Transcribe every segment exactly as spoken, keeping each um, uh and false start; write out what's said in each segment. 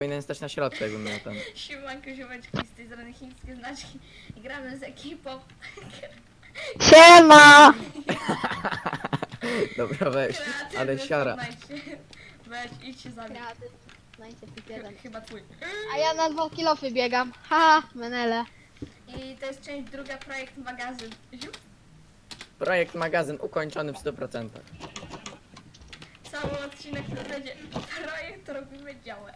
Powinien stać na środku, jakbym miał ten. Siemanko, ziomeczki, z tej strony chińskie znaczki. Gramy z ekipą. Siema! Dobra, weź, Kreatywny ale siara. Fortnite. Weź, idź się zabić. Kreatyw. Znajdźcie jeden. Chyba twój. A ja na dwa kilofy biegam. Haha, menele. I to jest część druga, projekt magazyn. Ziup. Projekt magazyn ukończony w stu procentach. Cały odcinek to będzie projekt, robimy działę.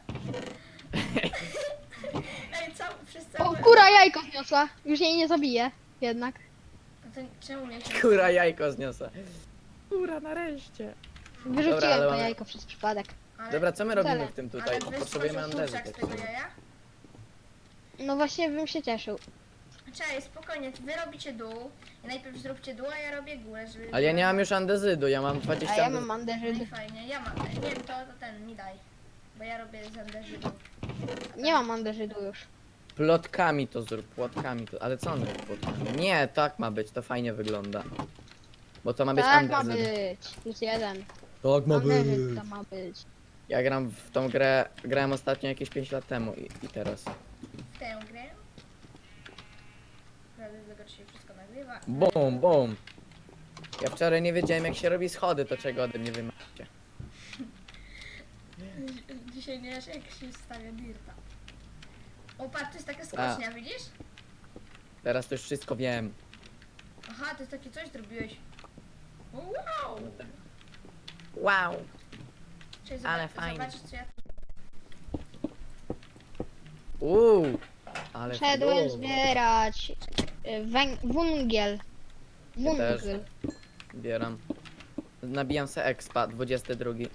Ej, cały, przez O, cały... kura jajko zniosła. Już jej nie zabiję. Jednak. No to czemu mnie się... Kura jajko zniosę. Kura, nareszcie. Wyrzuciłem Dobra, ale to mamy- jajko przez przypadek. Ale, Dobra, co my robimy Wcale. w tym tutaj? ale Potrzebujemy wyskoczył andezy. kurczak z tego jaja? No właśnie bym się cieszył. Cześć, spokojnie, wy robicie dół. I najpierw zróbcie dół, a ja robię górę, żeby... Ale ja nie mam już andezydu, ja mam A dwadzieścia ja andezy. mam No i andeżydy. fajnie, ja mam, nie wiem, to, to ten mi daj. Bo ja robię z anderzydów. Nie mam andeżydu już. Plotkami to zrób, płotkami to. Ale co one płotkami? Nie, tak ma być, to fajnie wygląda. Bo to ma być Tak ma andezyd. być. Plus jeden. Tak Andeżyd to ma być. Ja gram w tą grę, grałem ostatnio jakieś pięć lat temu i, i teraz. W tę grę. Prawda, z tego czy się wszystko nagrywa. Bum, bum. Ja wczoraj nie wiedziałem jak się robi schody, to czego ode mnie wymawiacie. Dzisiaj nie wiesz jak się stawia dirta. O patrz, to jest taka skocznia, widzisz? Teraz to już wszystko wiem. Aha, to jest takie coś zrobiłeś. Wow! Wow. Cześć, Ale zobacz, fajnie. zobaczysz co ja... Uuu. Ale Szedłem fajnie. zbierać y, węg- węgiel. Ja też. Węgiel. Zbieram. Nabijam se expa, dwudziesty drugi.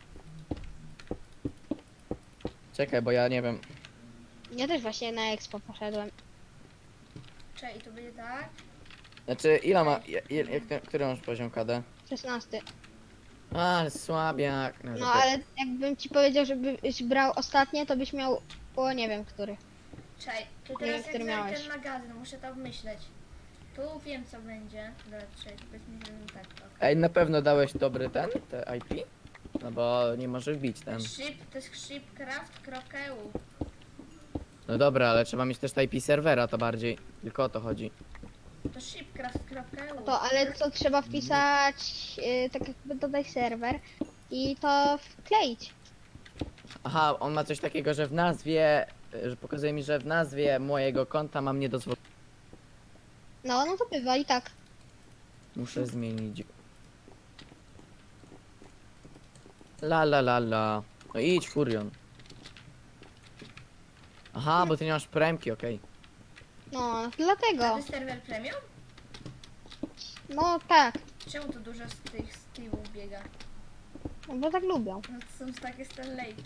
Czekaj, bo ja nie wiem. Ja też właśnie na expo poszedłem. Cześć, i to będzie tak. Znaczy, ile ma. Je, je, jak, który masz poziom K D? szesnasty. Ale słabiak. No, No to- ale jakbym ci powiedział, żebyś brał ostatnie, to byś miał, o nie wiem który. Cześć, to Nie teraz wiem, jak który znajdę miałeś. ten magazyn, muszę to myśleć. Tu wiem co będzie. Dobra, cześć, powiedzmy, że tak, ok. Ej, na pewno dałeś dobry ten, te I P? No bo nie może wbić ten. Ship, to jest shipcraft kropka e u. No dobra, ale trzeba mieć też te I P serwera, to bardziej. Tylko o to chodzi. To shipcraft kropka e u. To, ale co trzeba wpisać, yy, tak jakby dodaj serwer i to wkleić. Aha, on ma coś takiego, że w nazwie, y, że pokazuje mi, że w nazwie mojego konta mam niedozwolone. No, no to bywa i tak. Muszę zmienić. La la la la. No idź, Furion. Aha, bo ty nie masz premki, okej. No, A dlatego. to jest serwer premium? No tak, Czemu tu dużo z tych Steve'ów biega? no bo tak lubią. No to są takie Stanleyki.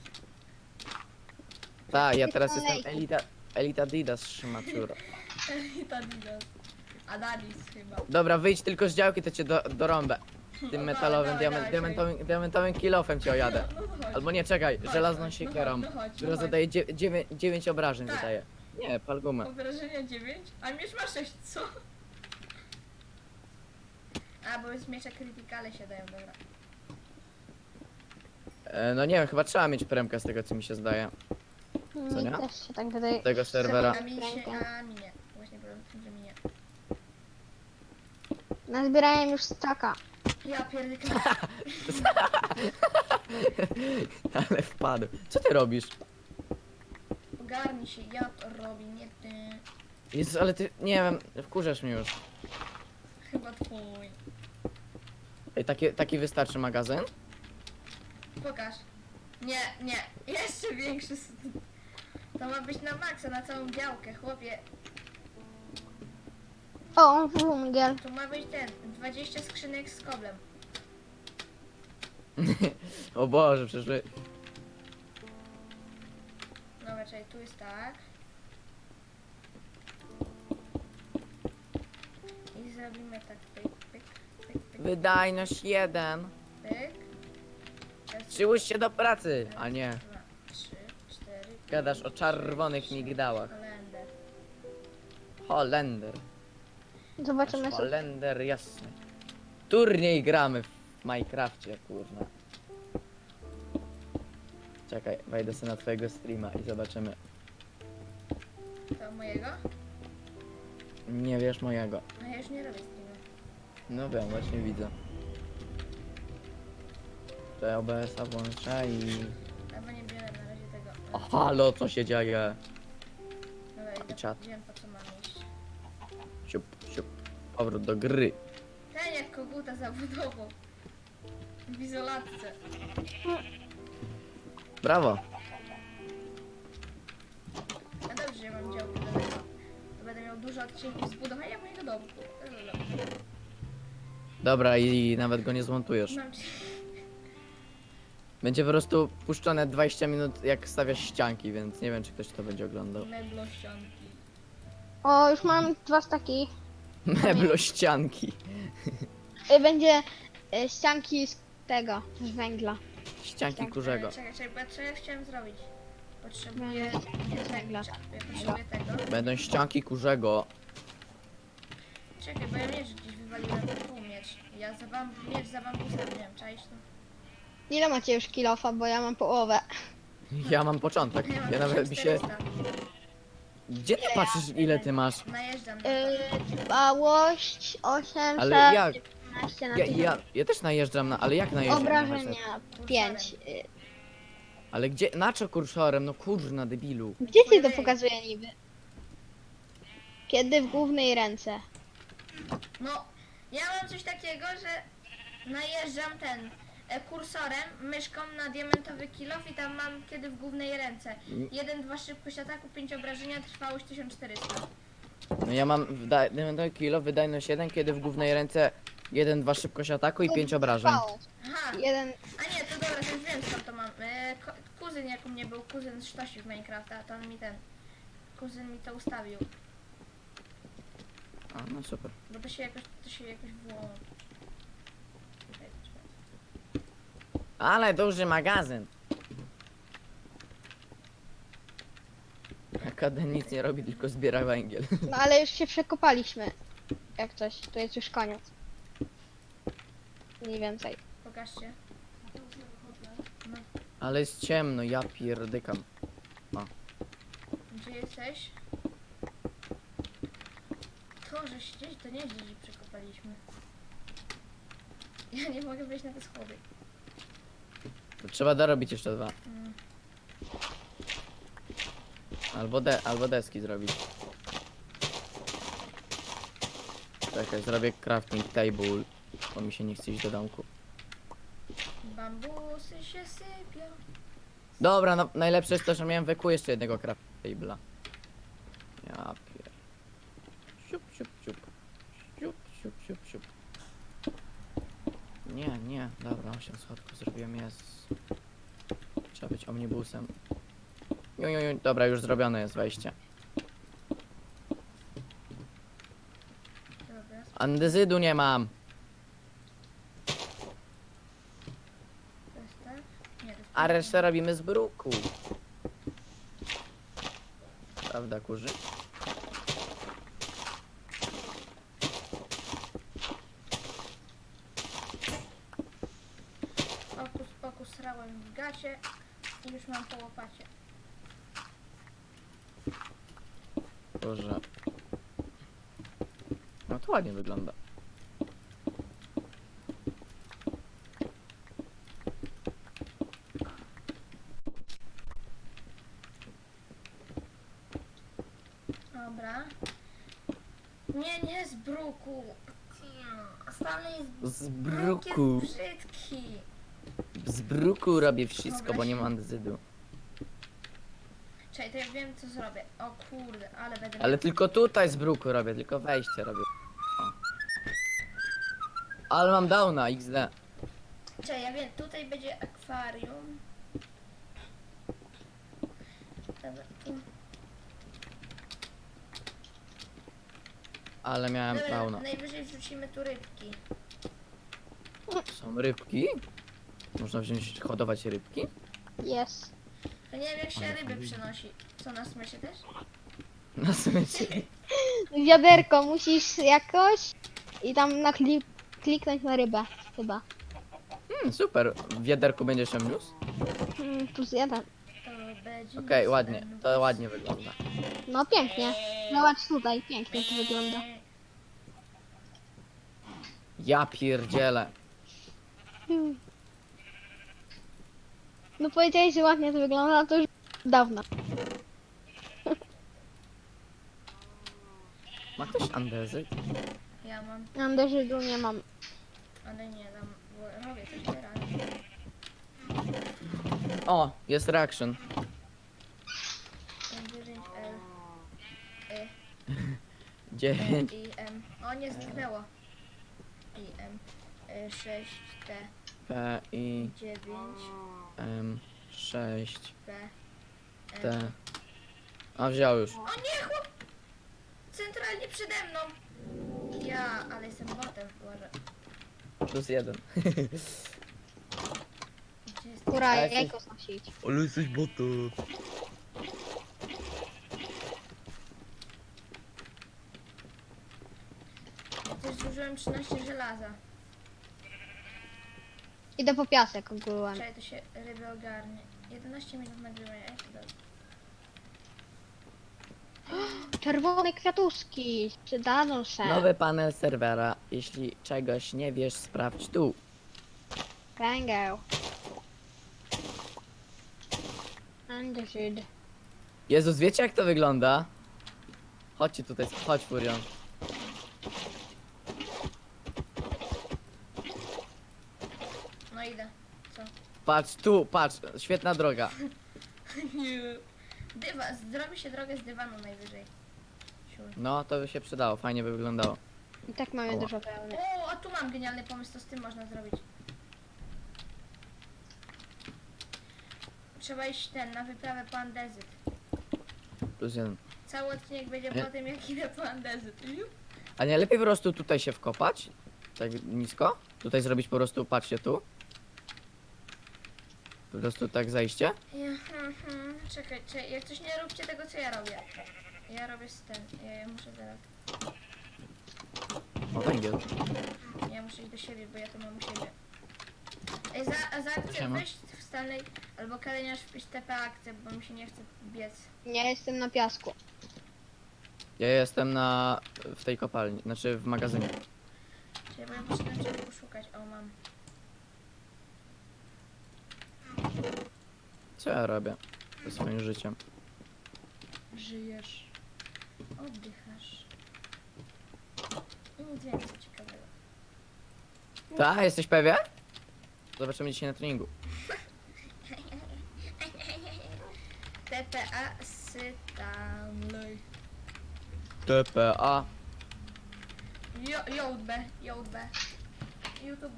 Tak, ja Ty teraz kolej. jestem Elita, Elita Didas Szymaczura. I to Adidas. Adalis chyba. Dobra, wyjdź tylko z działki, to cię do, dorąbę. Tym No metalowym, dawaj, diament, dawaj, diamentowym, diamentowym kilofem cię ojadę. No, no chodź. Albo nie, czekaj, Chodź, żelazną chodź, siekierą, no chodź, no chodź, która no zadaje dziewięć obrażeń Tak. zadaje. Nie, pal gumę. Obrażenia dziewięć? A miecz ma sześć, co? A, bo z miecza krytykale się dają, dobra. E, no nie wiem, chyba trzeba mieć premkę z tego co mi się zdaje. Co Mi nie? też się tak wydaje. Tego serwera. A mi się, Rękę. a mi nie. Właśnie problem w tym, że mi nie. Nazbierałem już staka. Ja pierdolę. Ale wpadł. Co ty robisz? Ogarnij się, ja to robię, nie ty. Jezus, ale ty, nie wiem, wkurzasz mnie już. Chyba twój. Ej, taki, taki wystarczy magazyn? Pokaż. Nie, nie. Jeszcze większy. s- To ma być na maksa, na całą działkę, chłopie. O, węgiel. To ma być ten, dwadzieścia skrzynek z koblem. O Boże, przecież wy... Dobra, czekaj, tu jest tak. I zrobimy tak, pyk, pyk, pyk, pyk, Wydajność jeden. pyk. Teraz Przyłóż się do pracy, a nie. raz, dwa, trzy, cztery, Gadasz pięć, o czerwonych sześć, migdałach. Holender. Holender. Zobaczymy Nasz sobie. Holender jasny. Turniej gramy w Minecrafcie, kurwa. Czekaj, wejdę sobie na twojego streama i zobaczymy. To mojego? Nie wiesz mojego. No ja już nie robię streama. No wiem, właśnie widzę. To O B S-a włączę i... Albo nie biorę na razie tego. O, halo, co się dzieje? Dobra, idę, czat. wiem po co mam iść. Siup, siup. Powrót do gry. Ten jak koguta zabudował. W izolatce. Brawo. No dobrze, że ja mam działkę do tego. To będę miał dużo odcinków z budowania mojego domku. No, no, no. Dobra, i nawet go nie zmontujesz. Mam ci... Będzie po prostu puszczone dwadzieścia minut, jak stawiasz ścianki, więc nie wiem, czy ktoś to będzie oglądał. meblościanki. O, już mam dwa staki. Meblościanki. Y, Będzie y, ścianki z tego, z węgla. Ścianki kurzego. Czekaj, czekaj, bo co ja chciałem zrobić? Potrzebuję... Będzie z węgla. Ja potrzebuję tego. Będą ścianki kurzego. Czekaj, bo ja miecz gdzieś wywaliłem. Tu miecz. Ja za bam... miecz za bambusem miałem, czaisz to? Ile macie już kilofa, bo ja mam połowę. Ja mam początek. Ja nawet mi się... czterysta. Gdzie ty patrzysz, ile ty masz? Najeżdżam na to. Yy, dbałość osiemset Ale jak? piętnaście na Ja, tysiąc. ja, ja też najeżdżam na... Ale jak najeżdżam na headset? Obrażenia pięć. Y, Ale gdzie? Na co kursorem? No kurna, debilu. Gdzie ci to pokazuje niby? Kiedy w głównej ręce. No, ja mam coś takiego, że najeżdżam ten e, kursorem, myszką na diamentowy kilof i tam mam kiedy w głównej ręce. jeden dwa szybkość ataku, pięć obrażenia, trwałość tysiąc czterysta. No ja mam wda- diamentowy kilo, wydajność jeden, kiedy w głównej ręce jeden dwa szybkość ataku i pięć obrażeń. Trwałość. Aha, Jeden. a nie, to dobra, to już wiem skąd to mam. E, ko- kuzyn jak u mnie był, kuzyn z Sztosi w Minecrafta, to on mi ten, kuzyn mi to ustawił. A, no super. Bo to się jakoś, to się jakoś włączy. Czekaj, czekaj. Ale duży magazyn. Akadem nic nie robi, tylko zbiera węgiel. No ale już się przekopaliśmy. Jak coś, to jest już koniec. Mniej więcej. Pokażcie. No, Ale jest ciemno, ja pierdykam. gdzie jesteś? To, że gdzieś to nie gdzieś przekopaliśmy. Ja nie mogę wejść na te schody. To trzeba dorobić jeszcze dwa. Mm. Albo, de albo deski zrobić. Czekaj, zrobię crafting table, bo mi się nie chce iść do domku. Bambusy się sypią. Dobra, no najlepsze jest to, że miałem weku jeszcze jednego crafting table'a. Ja pier... Siup, siup, siup. Siup, siup, siup, siup. Nie, nie, dobra, osiem schodków zrobiłem, jest. Trzeba być omnibusem. Ju, ju, ju. Dobra, już zrobione jest wejście. Dobra. Andezydu nie mam. To jest tak? Nie, to jest A resztę robimy z bruku. Prawda, kurzy? Okus pokus srałem w gacie i już mam po łopacie. Boże. No to ładnie wygląda. Dobra. Nie, nie z bruku. Stany jest Z bruk bruku. jest brzydki. Z bruku robię wszystko, Dobra, bo nie się- mam andezydu. Czekaj, to ja wiem co zrobię. O kurde, ale będę Ale miał... tylko tutaj z bruku robię, tylko wejście robię. O. Ale mam downa, iks de. Czekaj, ja wiem, tutaj będzie akwarium. Dobra, tu. Ale miałem Dobra, downa. najwyżej wrzucimy tu rybki. Są rybki? Można wziąć, hodować rybki? Jest. To nie wiem jak się ryby przynosi. Co, na smyczy też? Na smyczy. Wiaderko musisz jakoś i tam na klik kliknąć na rybę chyba. Hmm, super. W wiaderku będziesz ją niósł? Mm, plus jeden. To będzie Okej, nic ładnie, ten to ładnie wygląda. No pięknie. Zobacz tutaj, pięknie to wygląda. Ja pierdzielę. Hmm. No powiedziałeś, że ładnie to wygląda, to już dawno. Ma ktoś andezyt? Ja mam, Andezydu nie mam. ale nie dam, bo robię coś teraz. O, jest reaction. dziewięć L Y dziewięć. I M. O, nie zniknęło. I M sześć T P, I, dziewięć M, sześć, P M. T. A wziął już. O nie, chłop! Centralnie przede mną. Ja, ale jestem botem, Boże. Plus jeden. Gdzie jest? Kura, Ale jajko jesteś- znosić. Ale jesteś botów. Też zużyłem trzynaście żelaza. Idę po piasek ogółem. Czekaj, to się ryby ogarnie. jedenaście minut nagrywania, jak to dobrze. Czerwone kwiatuszki. Przydadzą się. Nowy panel serwera. Jeśli czegoś nie wiesz, sprawdź tu. Węgiel. Andezyd. Jezus, wiecie jak to wygląda? Chodźcie tutaj, chodź Furion. No idę. Co? Patrz tu, patrz, świetna droga. Dywa, zrobi się drogę z dywanu najwyżej. Siur. No, to by się przydało, fajnie by wyglądało. I tak mamy Ała. dużo pełny. O, a tu mam genialny pomysł, co z tym można zrobić. Trzeba iść ten, na wyprawę po andezyt. Plus jeden. Cały odcinek będzie Nie. po tym, jak idę po andezyt. A nie lepiej po prostu tutaj się wkopać? Tak nisko? Tutaj zrobić po prostu, patrzcie tu. Po prostu tak zajście. Ja, mhm. Czekaj, czekaj, jak coś nie róbcie tego, co ja robię. Ja robię z ten, ja, ja muszę zaraz, O, węgiel. ja muszę iść do siebie, bo ja to mam u siebie. Ej, za, a za akcję Siema. weź w Stanley, albo Kaleniarz wpisz T P akcję, bo mi się nie chce biec. Nie jestem na piasku. Ja jestem na... w tej kopalni, znaczy w magazynie. Czekaj, bo ja muszę tam czegoś poszukać, o mam. Co ja robię ze swoim życiem? Żyjesz. Oddychasz. I nic więcej ciekawego. Tak, jesteś pewien? Zobaczymy dzisiaj na treningu. T P A Stanley. T P A. Jo, Jołd B, Jołd B. YouTube.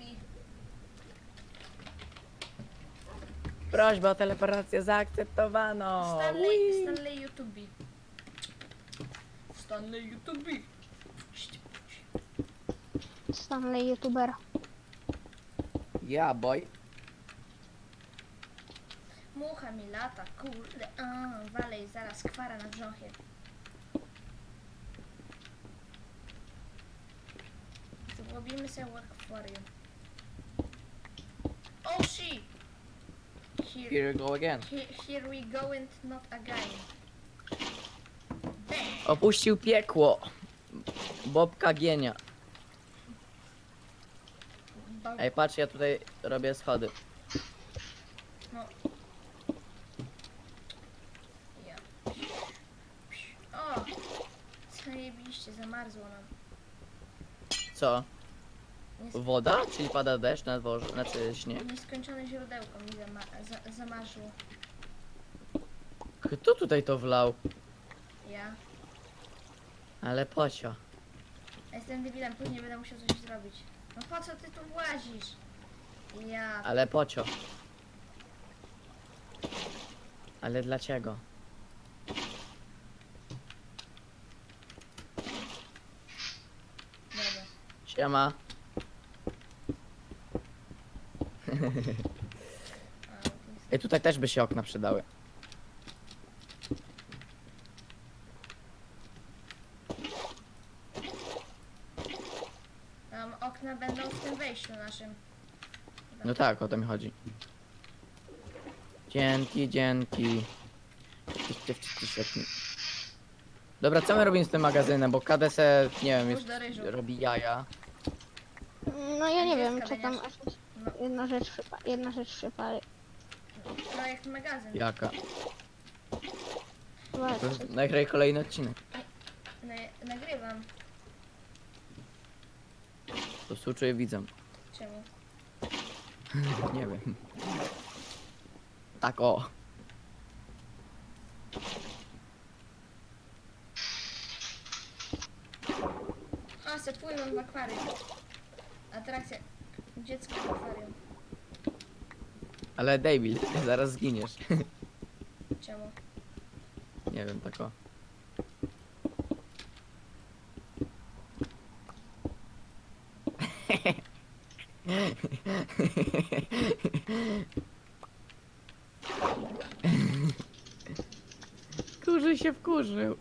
Prośba o teleportację zaakceptowano. Stanley, Stanley YouTube. Stanley YouTube. Stanley YouTuber. Ja, boy. Mucha mi lata, kurde. A, walej, zaraz kwara na brzochie. Zrobimy sobie akwarium. Oh shit! Here, Here you go again. here, here we go and not again. Bang! Opuścił piekło. Bobka Gienia. Ba- Ej, patrz, ja tutaj robię schody. No. Ja. O! Zajebiście, zamarzło nam. Co? Nies- Woda? Czyli pada deszcz na dworze, znaczy śnieg? Nieskończone źródełko mi zama za zamarzło. Kto tutaj to wlał? Ja. Ale pocio. Ja jestem debilem, później będę musiał coś zrobić. No po co ty tu włazisz? Ja. Ale pocio. Ale dlaczego? Dobra. Siema. A, to jest... Ej, tutaj też by się okna przydały. Tam okna będą w tym wejściu naszym. No tak, o to mi chodzi. Dzięki, dzięki. Ty, ty, ty, ty, świetnie. Dobra, co my robimy z tym magazynem, bo K D S, nie wiem, Już jest, do ryżu. robi jaja. No ja nie Gdzie wiem, jest co tam... kamieniarz? aż- No, Jedna rzecz przypa... Jedna rzecz przypali. projekt magazyn. Jaka? Zobacz, To nagraj kolejny odcinek. Na, nagrywam. To współczuję widzom. Czemu? Nie wiem. Tak o. O, se pływam w akwarium. Atrakcja. Dziecko w akwarium. Ale David, zaraz zginiesz. Czemu? Nie wiem, tak o. Kurzy się wkurzył.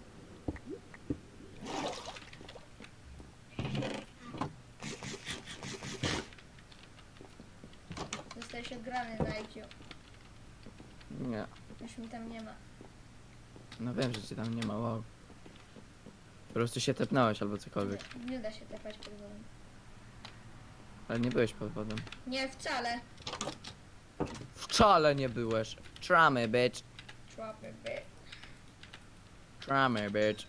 Zostałeś ograny na I Q. Nie. Już mi tam nie ma. No wiem, że cię tam nie ma, wow. Po prostu się tepnąłeś albo cokolwiek. Nie, nie da się tepać pod wodą. Ale nie byłeś pod wodą. Nie, wcale. Wcale nie byłeś. Tramy, bitch. Człapy, by. Tramy, bitch.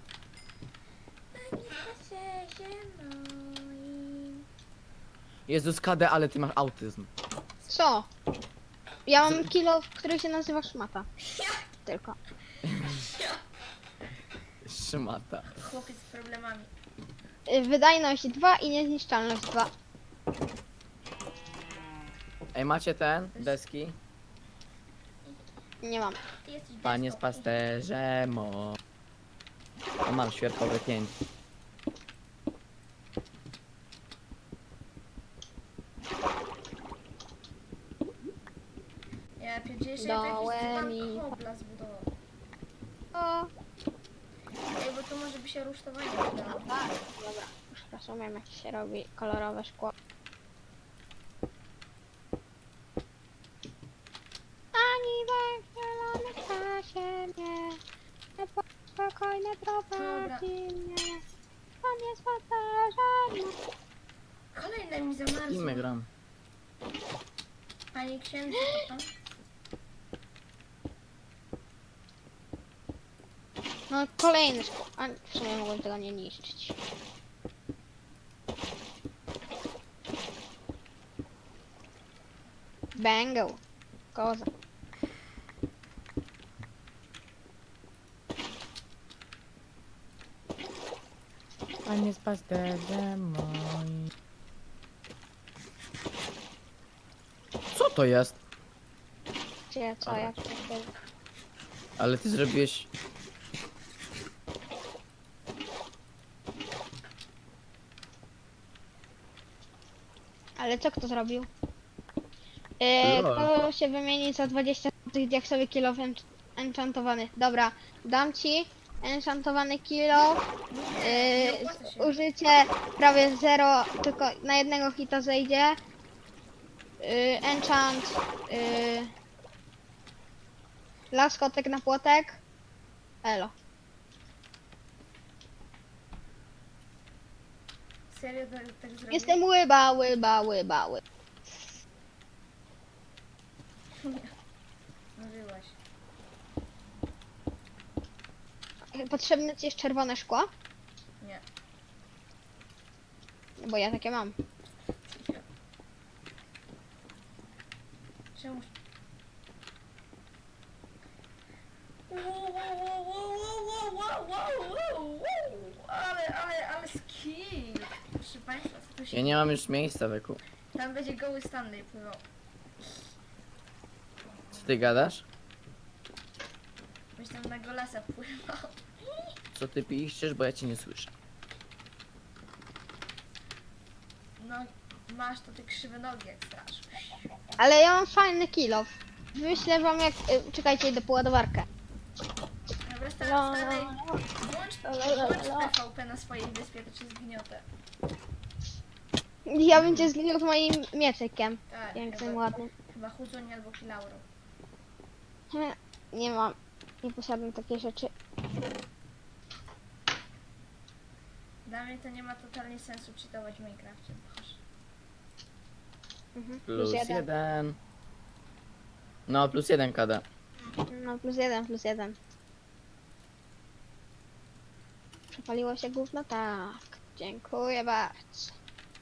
Jezus K D, ale ty masz autyzm. co? Ja mam kilo, który się nazywa szmata. Tylko. Szmata. Chłopiec z problemami. Y, Wydajność dwa i niezniszczalność dwa. Ej, macie ten? Deski? Nie mam. Ty jesteś Panie deską. z pasterze, mo. O, mam świerkowe pięć. Ja pierdzielę, że Dołem jakiś i- dzban kobla zbudował. O, Ej, bo tu może by się rusztowanie przydało. tak. Dobra, już rozumiem jak się robi kolorowe szkło. Ani węglonych czasie mnie, te spokojne prowadzi mnie. Pan jest pasażerem. Kolejne mi zamarzło. Imy gram. Panie księdzu, to pan? No kolejny szkło. A w sumie mogłem tego nie niszczyć. Bango. Koza. Panie z pasterzem moi. Co to jest? Gdzie, co, jak to się... Ale ty zrobiłeś... Ale co kto zrobił? Yy, Lol. to się wymieni za dwadzieścia tych diaksowy kilo ench- enchantowany. Dobra, dam ci enchantowany kilo. Nie Yy, opłaca się. użycie prawie zero, tylko na jednego hita zejdzie. Yy, enchant. Yy, laskotek na płotek. Elo. Serio tak, tak zrobił? Jestem łyba, łyba, łyba, łyba. Mówiłaś. Potrzebne ci jest czerwone szkło? Nie. Bo ja takie mam. Czemu? Wow, wow, wow, wow, wow, wow, wow, wow, wow. Ale, ale, ale skill. Proszę państwa, co tu się... Ja nie mam już miejsca, Weku. Tam będzie goły Stanley pływał. Co ty gadasz? Byś tam na golasa pływał. Co ty piszesz, bo ja cię nie słyszę. No, masz to te krzywe nogi jak straż. Ale ja mam fajny kill. Wyślę wam jak... y, Czekajcie, idę po ładowarkę. Dobra, No, Stanley, no, włącz, no, no, włącz no. P V P na swojej wyspie, to cię zgniotę. Ja bym cię zginął z moim mieczykiem. Tak, Pięknym, chyba, ładnym. chyba Huzoń albo Kilauro. Nie mam, nie posiadam takiej rzeczy. Dla mnie to nie ma totalnie sensu cheatować w Minecrafcie. Boże. Mhm. Plus jeden. No, plus jeden K D. No plus jeden, plus jeden. Przepaliło się gówno? Tak. Dziękuję bardzo.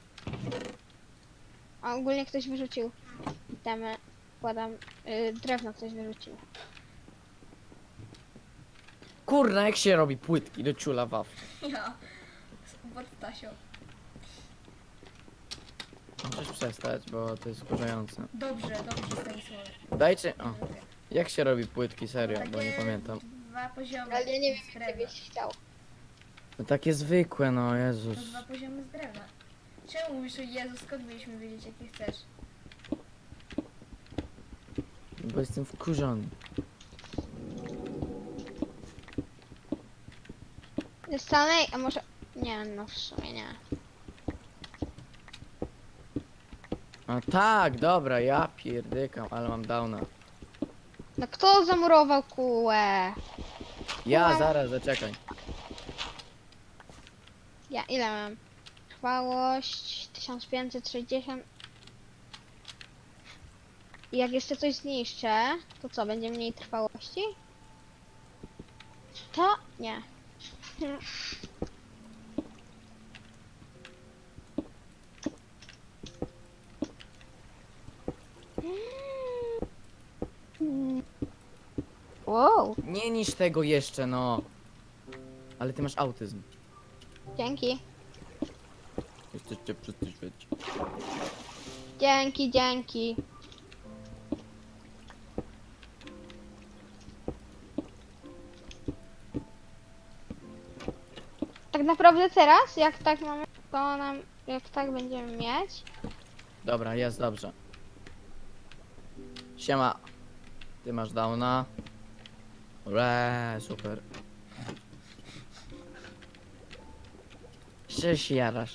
A ogólnie ktoś wyrzucił temy. Kładam, yy, drewno ktoś wyrzucił. Kurna, jak się robi płytki do ciula waw. Ja. Pod Stasią. Możesz przestać, bo to jest wkurzające. Dobrze, dobrze Stanisławie. Dajcie... O, jak się robi płytki, serio, bo nie Takie pamiętam. Dwa poziomy Ale ja nie wiem, z jak drewna. byś chciał. No takie zwykłe, no To Jezus. dwa poziomy z drewna. Czemu mówisz o Jezu, skąd mieliśmy wiedzieć jakie chcesz? Bo jestem wkurzony. Jest Stanley, a może... Nie, no w sumie nie. A tak, dobra, ja pierdykam, ale mam downa. No kto zamurował kółę? Ja, zaraz, zaczekaj. Ja ile mam? Trwałość tysiąc pięćset sześćdziesiąt. I jak jeszcze coś zniszczę, to co, będzie mniej trwałości? To nie. Wow, Nie niż tego jeszcze, no. Ale ty masz autyzm. dzięki. Jeszcze cię przyspieszyć. Dzięki, dzięki. Tak naprawdę teraz, jak tak mamy, to nam, jak tak będziemy mieć, Dobra, jest dobrze. Siema. Ty masz downa. Ure, super. Się się jarasz.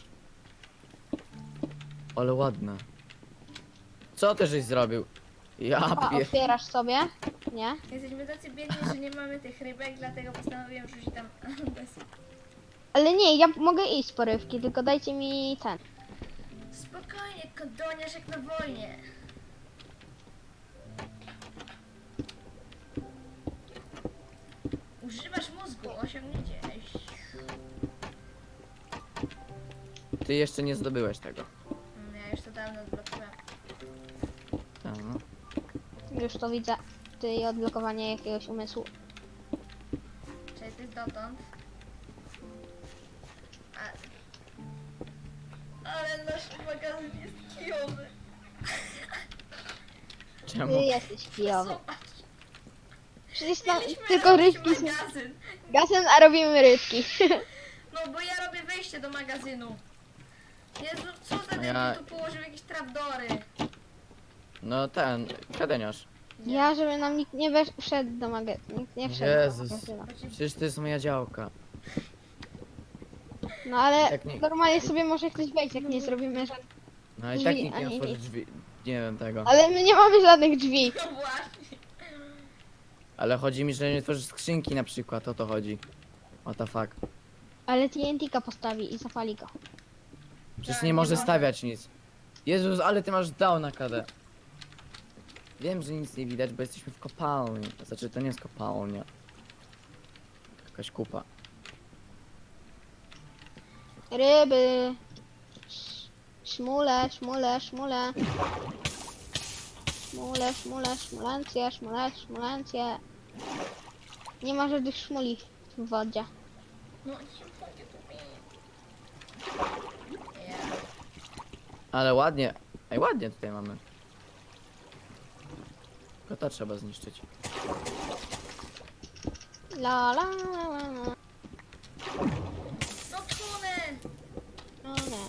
Ale ładne. Co ty żeś zrobił? Ja o, pier... otwierasz sobie, nie? Jesteśmy tacy biedni, że nie mamy tych rybek, dlatego postanowiłem rzucić tam desy. Ale nie, ja mogę iść po rybki, tylko dajcie mi ten. Spokojnie, kodoniarz jak na wojnie. Używasz mózgu, osiągnięcie. Ty jeszcze nie zdobyłeś tego. Mm, Ja już to dawno odblokowałem. Tak, no. Już to widzę. Ty i odblokowanie jakiegoś umysłu. Czyli ty dotąd. A... Ale nasz magazyn jest kijowy. Czemu? Ty jesteś kijowy. Zobacz, Przecież tam mieliśmy tylko robić rybki są. magazyn. Gazem, a robimy rybki. No bo ja robię wejście do magazynu. Jezu, co za Ja- debil tu położył jakieś trapdory. No ten, kadeniarz. Ja, żeby nam nikt nie wesz- wszedł do magazynu. Nikt nie wszedł Jezus. do magazynu. Bo ci... Przecież to jest moja działka. No ale Tak nie- normalnie sobie może ktoś wejść, jak nie zrobimy żadnych. No i Drzwi, tak nikt a nie nie otworzy nic. drzwi. Nie wiem tego. Ale my nie mamy żadnych drzwi. No właśnie. Ale chodzi mi, że nie tworzysz skrzynki na przykład, o to chodzi. What the fuck. Ale T N T-ka postawi i zapali go. Przecież Tak, nie nie może może. stawiać nic. Jezus, ale ty masz down na K D. Wiem, że nic nie widać, bo jesteśmy w kopalni. Znaczy, to nie jest kopalnia. Jakaś kupa. Ryby. Sz- Szmule, szmule, szmule. Szmule, szmule, szmulencje, szmule, szmulencje. Nie ma żadnych szmuli w wodzie. No nie mogę tu mieć. Ja. Ale ładnie. Ej, ładnie tutaj mamy. Tylko to trzeba zniszczyć. La la la la la. No tunel. No nie.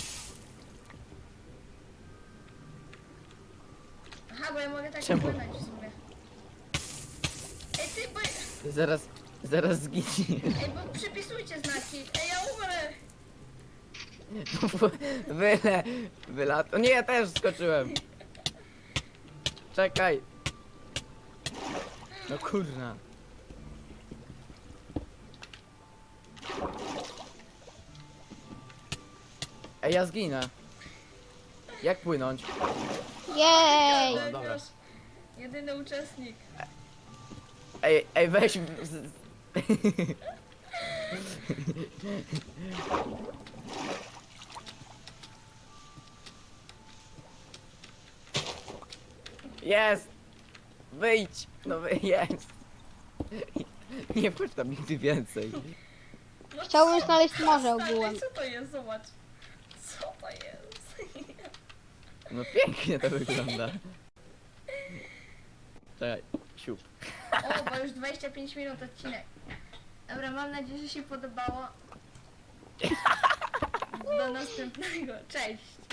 Aha, bo ja mogę tak Czemu? płynąć w sumie. Ej ty, bo... Ty zaraz, zaraz zginiesz. Ej, bo przypisujcie znaki. Ej, ja umrę. Wyle, wylat. O nie, ja też skoczyłem. Czekaj. No kurna. Ej, ja zginę. Jak płynąć? Jej! O, dobra. Nasz jedyny uczestnik. Ej, ej, weź. z- Jest! Wyjdź! No wy- jest! Nie wchodź tam nigdy więcej. No Chciałbym co? znaleźć morze Stary, ogółem. Co to jest? Zobacz. Co to jest? No pięknie to wygląda. Czekaj, siup. O, bo już dwadzieścia pięć minut odcinek. Dobra, mam nadzieję, że się podobało. Do następnego. Cześć.